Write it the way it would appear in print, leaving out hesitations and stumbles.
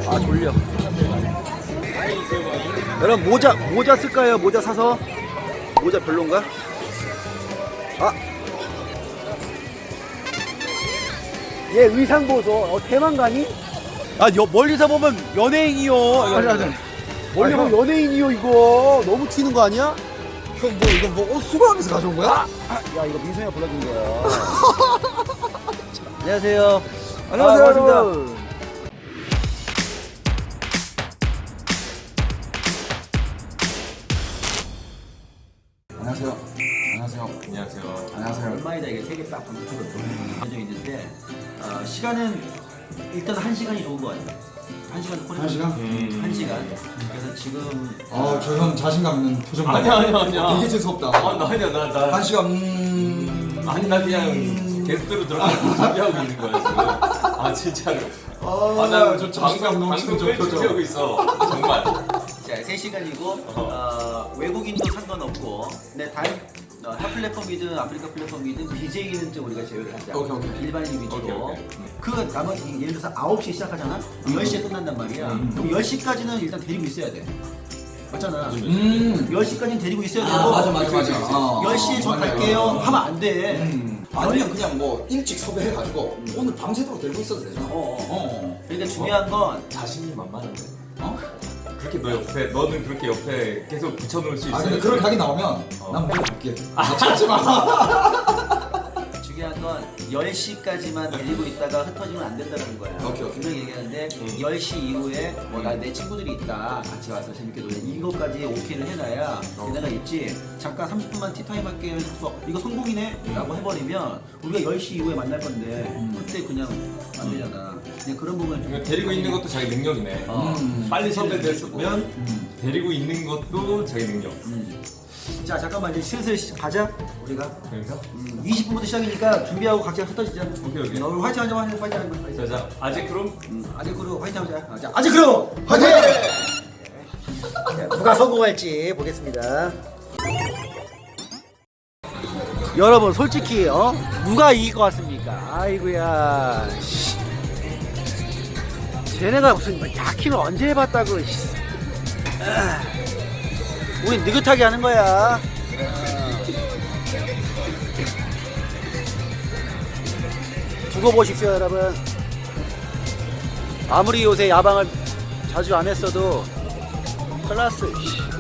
아 졸려. 여러분 모자 쓸까요? 모자 사서. 모자 별론가? 아, 얘 의상 보소. 대만가니? 아, 멀리서 보면 연예인이요. 아니. 멀리 보면 연예인이요. 이거 너무 튀는 거 아니야? 형 뭐 이거 뭐 옷 수거하면서 가져온 거야? 야, 이거 민성이가 불러준 거야. 안녕하세요. 안녕하세요, 반갑습니다. 여러분. 안녕하세요. 안녕하세요. 안녕하세요. 안녕하세요. 얼마이다 이게 세개 딱 붙어서 정해져 있는데 시간은 일단 1시간이 좋은 거 같아요. 1시간 콜. 1시간? 1시간. 그래서 지금 저 형 자신감 있는 표정 봐. 아니야. 되게 재수없다. 아니야 나 한 시간 아니 나 그냥 게스트로 들어가서 준비하고 있는 거야 지금. 아 진짜로. 저 자신감 넘치는 저 표정. 준비하고 있어. 정말. 자, 3시간이고 외국인도 상관없고 근데 타 플랫폼이든 아프리카 플랫폼이든 BJ는 좀 우리가 제외를 하자. 오케이. 일반인 위주로. 오케이. 그 나머지 예를 들어서 9시에 시작하잖아? 10시에 끝난단 말이야. 그럼 10시까지는 일단 데리고 있어야 돼. 맞잖아. 10시까지는 데리고 있어야 되고 맞아. 10시에 저 갈게요 하면 안 돼. 아니면 그냥 뭐 일찍 섭외해가지고 오늘 밤새도록 들고 있어도 되잖아. 그러니까 중요한 건 자신이 만만한데. 그렇게 너는 그렇게 옆에 계속 붙여놓을 수 있어. 근데 그런 각이 나오면 난 먼저 갈게. 찾지 마. 중요한 건 10시까지만 데리고 있다가 흩어지면 안 된다는 거야. 오케이. 분명히 얘기하는데 10시 이후에 뭐 내 친구들이 있다. 같이 와서 재밌게 놀래. 이거까지 오케이를 해놔야 내가 있지. 잠깐 30분만 티타임 할게 해서 이거 성공이네? 라고 해버리면 우리가 10시 이후에 만날 건데 그때 그냥 안 되잖아. 그냥 그런 부분을 좀 데리고 있는 것도 자기 능력이네. 빨리 섭외됐으면 데리고 있는 것도 자기 능력. 자 잠깐만 이제 슬슬 가자 우리가. 그러니까? 20분부터 시작이니까 준비하고 각자 흩어지자. 오케이. 우리 화이팅 하자 화이팅. 자 아직 그럼 아직 그룹 화이팅 하자. 자, 아직 그룹 화이팅! 누가 성공할지 보겠습니다. 여러분 솔직히 누가 이길 것 같습니까? 아이고야. 쟤네가 무슨 야킹을 언제 해봤다고. 우린 느긋하게 하는 거야. 두고 보십시오 여러분. 아무리 요새 야방을 자주 안 했어도 클라스